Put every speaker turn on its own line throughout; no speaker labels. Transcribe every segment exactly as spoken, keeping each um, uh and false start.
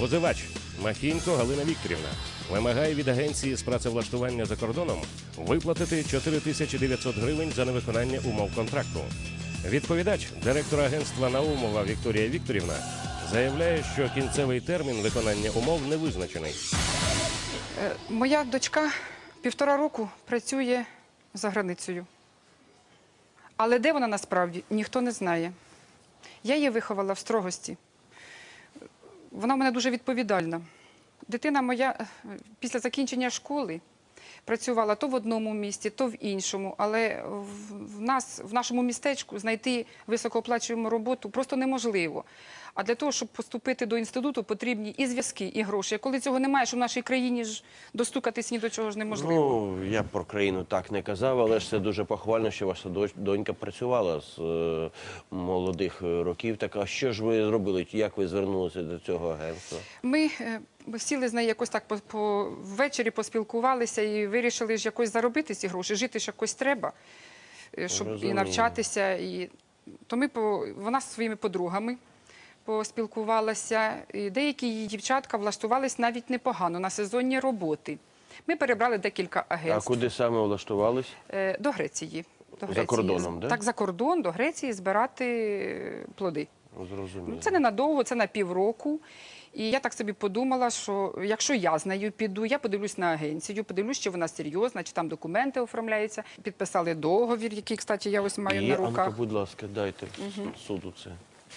Позивач Махінько Галина Вікторівна вимагає від агенції з працевлаштування за кордоном виплатити чотири тисячі дев'ятсот гривень за невиконання умов контракту. Відповідач, директор агентства Наумова Вікторія Вікторівна, заявляє, що кінцевий термін виконання умов не визначений.
Моя дочка півтора року працює за границею. Але де вона насправді, ніхто не знає. Я її виховала в строгості. Вона в мене дуже відповідальна. Дитина моя після закінчення школи працювала то в одному місті, то в іншому. Але в, нас, в нашому містечку знайти високооплачувану роботу просто неможливо. А для того, щоб поступити до інституту, потрібні і зв'язки, і гроші. А коли цього немає, що в нашій країні ж достукатись ні до чого ж неможливо.
Ну, я про країну так не казав, але ж це дуже похвально, що ваша донька працювала з е, молодих років. Так, а що ж ви зробили? Як ви звернулися до цього агентства?
Ми е, сіли з нею якось так по, по, ввечері, поспілкувалися і вирішили ж якось заробити ці гроші. Жити ж якось треба, щоб Розумію. і навчатися. І... То ми по... Вона зі своїми подругами поспілкувалася. І деякі її дівчатка влаштувались навіть непогано на сезонні роботи. Ми перебрали декілька агентств.
А куди саме влаштувались?
До Греції. До Греції.
За кордоном, да?
Так, за кордон, до Греції збирати плоди.
Зрозуміло.
Це ненадовго, це на півроку. І я так собі подумала, що якщо я з нею піду, я подивлюсь на агенцію, подивлюсь, чи вона серйозна, чи там документи оформляються. Підписали договір, який, кстати, я ось маю
І,
на руках.
А ну, будь ласка, дайте угу. суду це.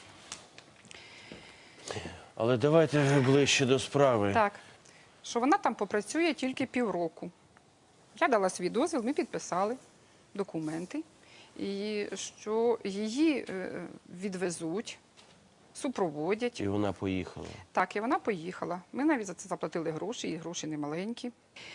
Але давайте ближче до справи.
Так, що вона там попрацює тільки півроку. Я дала свій дозвіл, ми підписали документи, і що її відвезуть, супроводять.
І вона поїхала.
Так, і вона поїхала. Ми навіть за це заплатили гроші, і гроші немаленькі.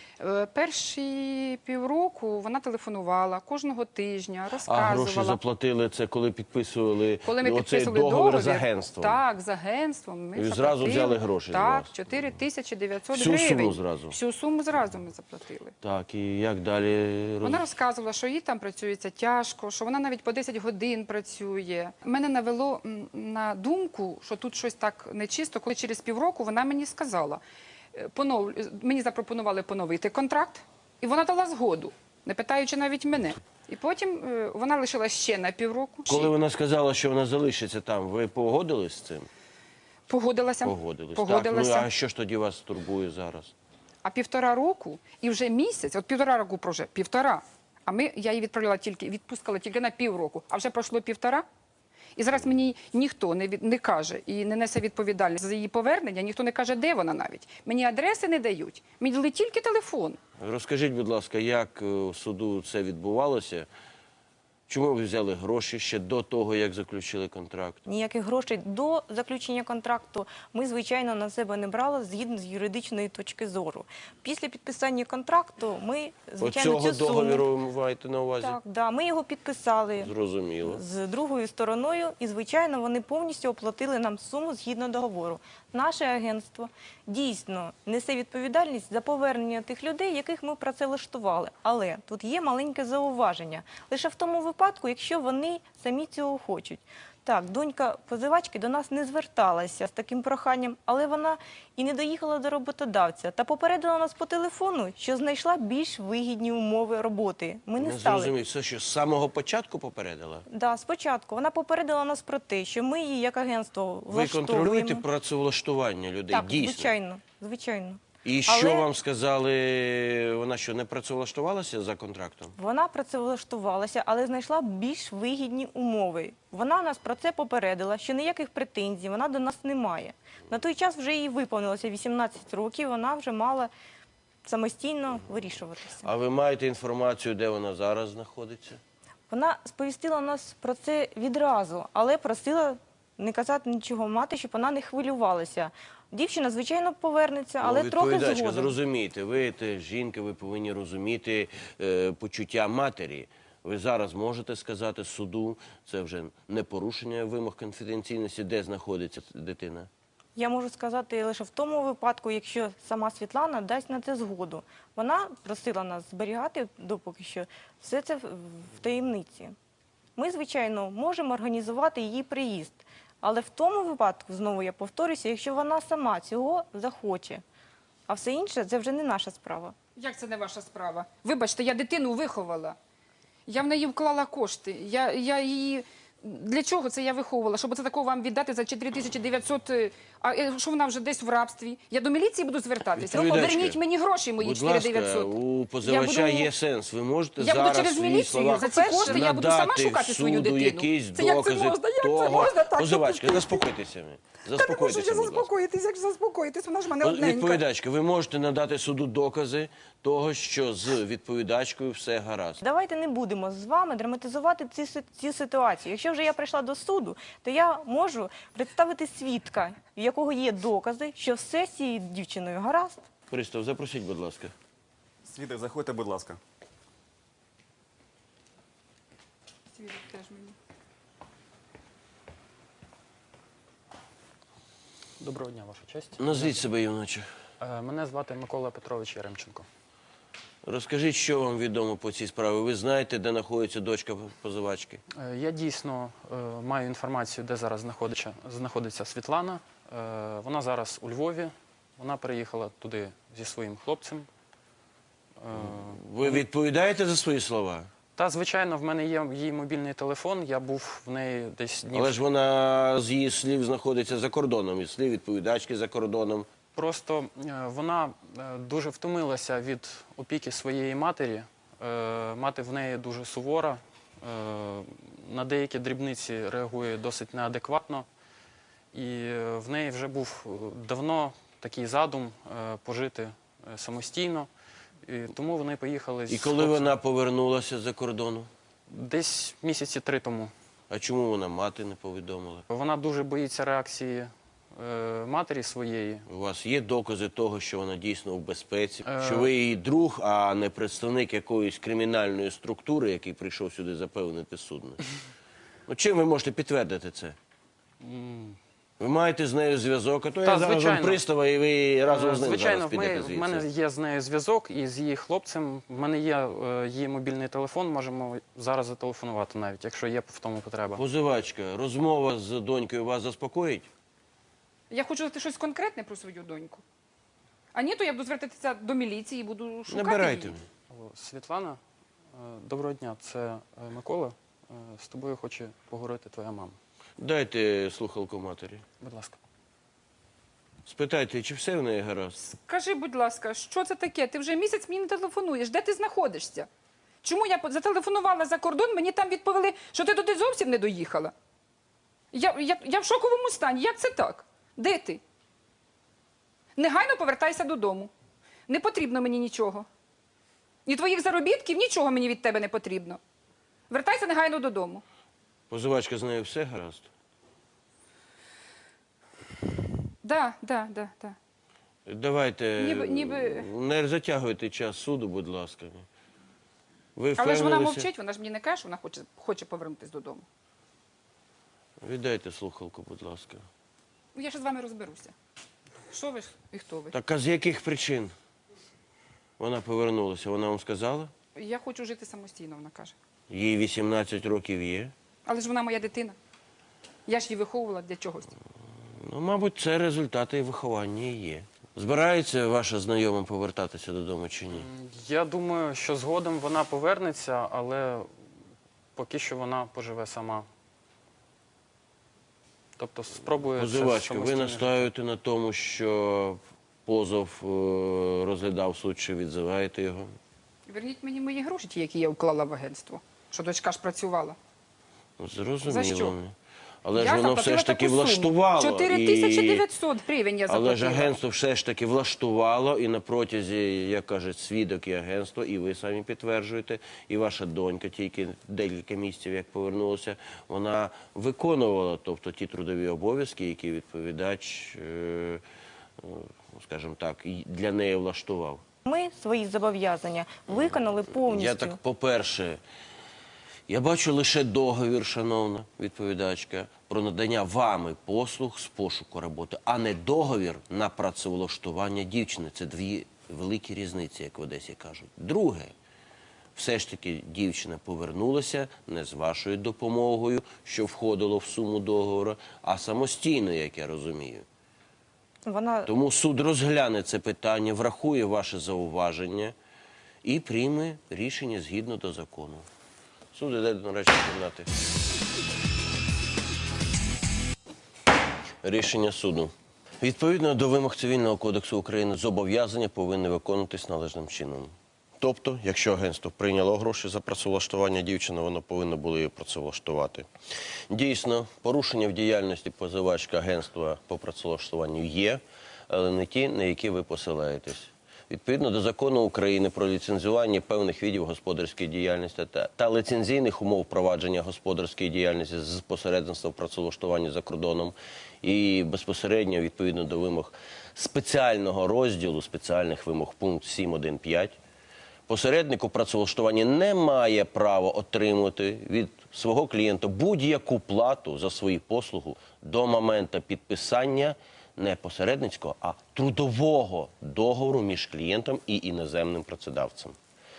Перші півроку вона телефонувала кожного тижня, розказувала.
А гроші заплатили це, коли підписували,
коли ми
оцей
підписували
договір,
договір
з агентством?
Так, з агентством. Ми
і
заплатили.
зразу взяли гроші?
Так, чотири тисячі дев'ятсот
гривень.
Всю
суму зразу?
Всю суму зразу ми заплатили.
Так, і як далі?
Вона розказувала, що їй там працюється тяжко, що вона навіть по десять годин працює. Мене навело на думку, що тут щось так нечисто, коли через півроку вона мені сказала, понов... мені запропонували поновити контракт, і вона дала згоду, не питаючи навіть мене. І потім вона лишила ще на півроку.
Коли вона сказала, що вона залишиться там, ви погодились з цим?
Погодилася.
Погодились.
Погодилася.
Так, ну, а що ж тоді вас турбує зараз?
А півтора року і вже місяць, от півтора року прожив, півтора, а ми, я її відправляла тільки, відпускала тільки на півроку, а вже пройшло півтора. І зараз мені ніхто не, від, не каже і не несе відповідальність за її повернення, ніхто не каже, де вона навіть. Мені адреси не дають, мені дали тільки телефон.
Розкажіть, будь ласка, як у суду це відбувалося? Чому ви взяли гроші ще до того, як заключили контракт?
Ніяких грошей до заключення контракту ми, звичайно, на себе не брали згідно з юридичної точки зору. Після підписання контракту ми, звичайно,
Оцього
цю суму...
договіру ви маєте на увазі?
Так, да, ми його підписали.
Зрозуміло.
З другою стороною і, звичайно, вони повністю оплатили нам суму згідно договору. Наше агентство дійсно несе відповідальність за повернення тих людей, яких ми працевлаштували. Але тут є маленьке зауваження. Лише в тому випадку, якщо вони самі цього хочуть. Так, донька позивачки до нас не зверталася з таким проханням, але вона і не доїхала до роботодавця та попередила нас по телефону, що знайшла більш вигідні умови роботи. Ми не,
не
стали.
Зрозумів, це що, з самого початку попередила?
Так, да, спочатку. Вона попередила нас про те, що ми її як агентство влаштовуємо.
Ви контролюєте працевлаштування людей?
Так,
дійсно?
звичайно, звичайно.
І
Але...
що вам сказали, вона що, не працевлаштувалася за контрактом?
Вона працевлаштувалася, але знайшла більш вигідні умови. Вона нас про це попередила, що ніяких претензій вона до нас не має. На той час вже їй виповнилося вісімнадцять років, вона вже мала самостійно вирішуватися.
А ви маєте інформацію, де вона зараз знаходиться?
Вона сповістила нас про це відразу, але просила не казати нічого мати, щоб вона не хвилювалася. Дівчина, звичайно, повернеться, але
ну,
трохи
відповідачка,
згодом.
зрозумійте, ви те, жінка, ви повинні розуміти е, почуття матері. Ви зараз можете сказати суду, це вже не порушення вимог конфіденційності, де знаходиться дитина?
Я можу сказати лише в тому випадку, якщо сама Світлана дасть на це згоду. Вона просила нас зберігати, допоки що, все це в таємниці. Ми, звичайно, можемо організувати її приїзд. Але в тому випадку, знову я повторюся, якщо вона сама цього захоче, а все інше – це вже не наша справа.
Як це не ваша справа? Вибачте, я дитину виховала. Я в неї вклала кошти. Я, я її... Для чого це я виховувала? Щоб це такого вам віддати за чотири тисячі дев'ятсот, е, а е, що вона вже десь в рабстві? Я до міліції буду звертатися.
Відповідачка,
Поверніть мені гроші мої
Будь
чотири
ласка,
дев'ятсот.
у позивача
Я буду-
є сенс. Ви можете
Я буду
зараз
через
в своїх
міліцію
словах
за ці кошти, я буду сама
надати
шукати свою
суду
дитину.
якісь
Це як це
докази
можна? Як це
того.
можна так
Позивачка,
допустити?
заспокойтеся. ви.
Та не можу
Заспокойтеся,
я
будь ласка.
заспокоїтись, як же заспокоїтись, вона ж в мене одненька.
Відповідачка, ви можете надати суду докази того, що з відповідачкою все гаразд.
Давайте не будемо з вами драматизувати ці, си- ці ситуації. Якщо вже я прийшла до суду, то я можу представити свідка, в якого є докази, що все з цією дівчиною гаразд.
Христов, запросіть, будь ласка.
Свідок, заходьте, будь ласка.
Свідок теж мені.
Доброго дня, ваша честь.
Назвіть себе, юначе.
Е, Мене звати Микола Петрович Яремченко.
Розкажіть, що вам відомо по цій справі. Ви знаєте, де знаходиться дочка позивачки?
Е, Я дійсно е, маю інформацію, де зараз знаходиться, знаходиться Світлана. Е, Вона зараз у Львові. Вона приїхала туди зі своїм хлопцем. Е,
Ви відповідаєте за свої слова?
Та, звичайно, в мене є її мобільний телефон. Я був в неї десь днів.
Але ж вона з її слів знаходиться за кордоном, із слів відповідачки за кордоном.
Просто е, вона е, дуже втомилася від опіки своєї матері. Е, Мати в неї дуже сувора, е, на деякі дрібниці реагує досить неадекватно. І е, в неї вже був е, давно такий задум е, пожити е, самостійно. І тому вони поїхали з
І коли
хлопцем.
вона повернулася за кордону?
Десь місяці три тому.
А чому вона мати не повідомила?
Вона дуже боїться реакції е, матері своєї.
У вас є докази того, що вона дійсно в безпеці?
Е.
Що ви її друг, а не представник якоїсь кримінальної структури, який прийшов сюди запевнити судно? Ну, чим ви можете підтвердити це? Ви маєте з нею зв'язок, а то
Та,
я зараз вам
звичайно.
пристава, і ви разом з ним
Звичайно,
зараз
в, ми,
підете
в
звідси.
мене є з нею зв'язок і з її хлопцем. В мене є е, її мобільний телефон, можемо зараз зателефонувати навіть, якщо є в тому потреба.
Позивачка, розмова з донькою вас заспокоїть?
Я хочу знати щось конкретне про свою доньку. А ні, то я буду звертатися до міліції і буду шукати
Набирайте.
її.
Алло, Світлана, е, доброго дня, це е, Микола. Е, З тобою хоче поговорити твоя мама.
Дайте слухалку матері.
Будь ласка.
Спитайте, чи все в неї гаразд?
Скажи, будь ласка, що це таке? Ти вже місяць мені не телефонуєш. Де ти знаходишся? Чому я по- зателефонувала за кордон, мені там відповіли, що ти туди зовсім не доїхала? Я, я, я в шоковому стані. Як це так? Де ти? Негайно повертайся додому. Не потрібно мені нічого. Ні твоїх заробітків, нічого мені від тебе не потрібно. Вертайся негайно додому.
Позивачка, з нею все гаразд?
Да, да, да, да.
Давайте,
Ніби- ніби-
не затягуйте час суду, будь ласка. Ви
Але ж вона
впевнилися?
мовчить, вона ж мені не каже, що вона хоче, хоче повернутися додому.
Віддайте слухалку, будь ласка.
Ну, я ще з вами розберуся. Що ви ж і хто ви?
Так а з яких причин вона повернулася? Вона вам сказала?
Я хочу жити самостійно, вона каже.
Їй вісімнадцять років є.
Але ж вона моя дитина. Я ж її виховувала для чогось.
Ну, мабуть, це результати виховання і є. Збирається ваша знайома повертатися додому чи ні?
Я думаю, що згодом вона повернеться, але поки що вона поживе сама. Тобто спробує це
Позивачка, ви
самостійно
настаєте на тому, що позов е, розглядав суд, чи відзиваєте його?
Верніть мені мої гроші, ті, які я вклала в агентство. Що дочка ж працювала.
Ну, зрозуміло.
За що?
Але
я
ж воно
заплатила
все ж таки
таку суму.
влаштувало.
чотири тисячі дев'ятсот гривень я заплатила.
Але ж агентство все ж таки влаштувало, і на протязі, як кажуть, свідок і агентство, і ви самі підтверджуєте, і ваша донька тільки декілька місяців, як повернулася, вона виконувала, тобто, ті трудові обов'язки, які відповідач, е, ну, скажімо так, і для неї влаштував.
Ми свої зобов'язання виконали повністю.
Я так, по-перше, я бачу лише договір, шановна відповідачка, про надання вами послуг з пошуку роботи, а не договір на працевлаштування дівчини. Це дві великі різниці, як в Одесі кажуть. Друге, все ж таки дівчина повернулася не з вашою допомогою, що входило в суму договору, а самостійно, як я розумію.
Вона
Тому суд розгляне це питання, врахує ваше зауваження і прийме рішення згідно до закону. Суд іде до нарадчої кімнати. Рішення суду. Відповідно до вимог Цивільного кодексу України, зобов'язання повинні виконуватись належним чином. Тобто, якщо агентство прийняло гроші за працевлаштування дівчини, воно повинно було її працевлаштувати. Дійсно, порушення в діяльності позивачки агентства по працевлаштуванню є, але не ті, на які ви посилаєтесь. Відповідно до закону України про ліцензування певних видів господарської діяльності та, та лицензійних умов провадження господарської діяльності з посередництва в працевлаштуванні за кордоном і безпосередньо відповідно до вимог спеціального розділу, спеціальних вимог пункт сім один п'ять, посередник у працевлаштуванні не має права отримувати від свого клієнта будь-яку плату за свої послуги до моменту підписання не посередницького, а трудового договору між клієнтом і іноземним працедавцем.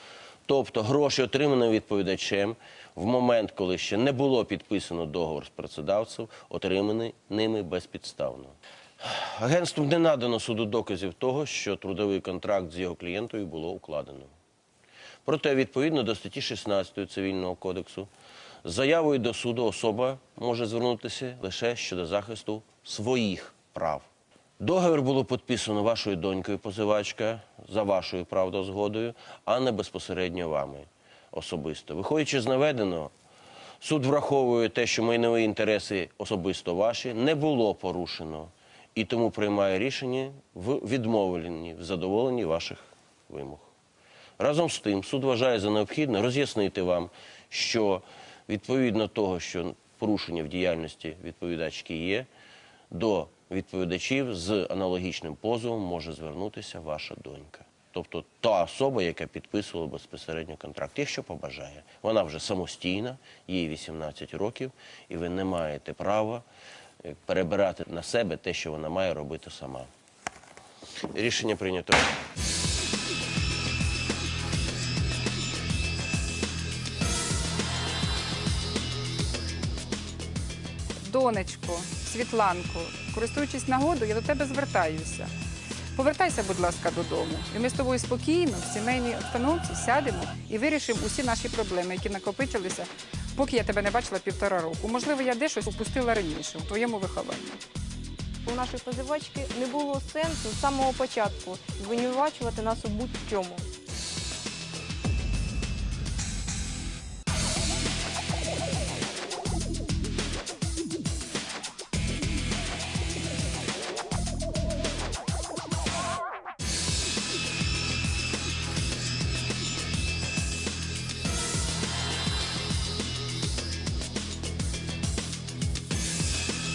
Тобто гроші, отримані відповідачем в момент, коли ще не було підписано договор з працедавцем, отримані ними безпідставно. Агентству не надано суду доказів того, що трудовий контракт з його клієнтою було укладено. Проте, відповідно до статті шістнадцятої Цивільного кодексу, з заявою до суду особа може звернутися лише щодо захисту своїх прав. Договір було підписано вашою донькою позивачка за вашою правдозгодою, а не безпосередньо вами особисто. Виходячи з наведеного, суд враховує те, що майнові інтереси особисто ваші не було порушено, і тому приймає рішення в відмовленні, в задоволенні ваших вимог. Разом з тим, суд вважає за необхідне роз'яснити вам, що відповідно того, що порушення в діяльності відповідачки є, до відповідачів з аналогічним позовом може звернутися ваша донька. Тобто та особа, яка підписувала безпосередньо контракт, якщо побажає. Вона вже самостійна, їй вісімнадцять років, і ви не маєте права перебирати на себе те, що вона має робити сама. Рішення прийнято.
Донечко, Світланко, користуючись нагодою, я до тебе звертаюся. Повертайся, будь ласка, додому. І ми з тобою спокійно, в сімейній обстановці сядемо і вирішимо усі наші проблеми, які накопичилися, поки я тебе не бачила півтора року. Можливо, я десь щось упустила раніше у твоєму вихованні.
у нашої позивачки не було сенсу з самого початку звинувачувати нас у будь-чому.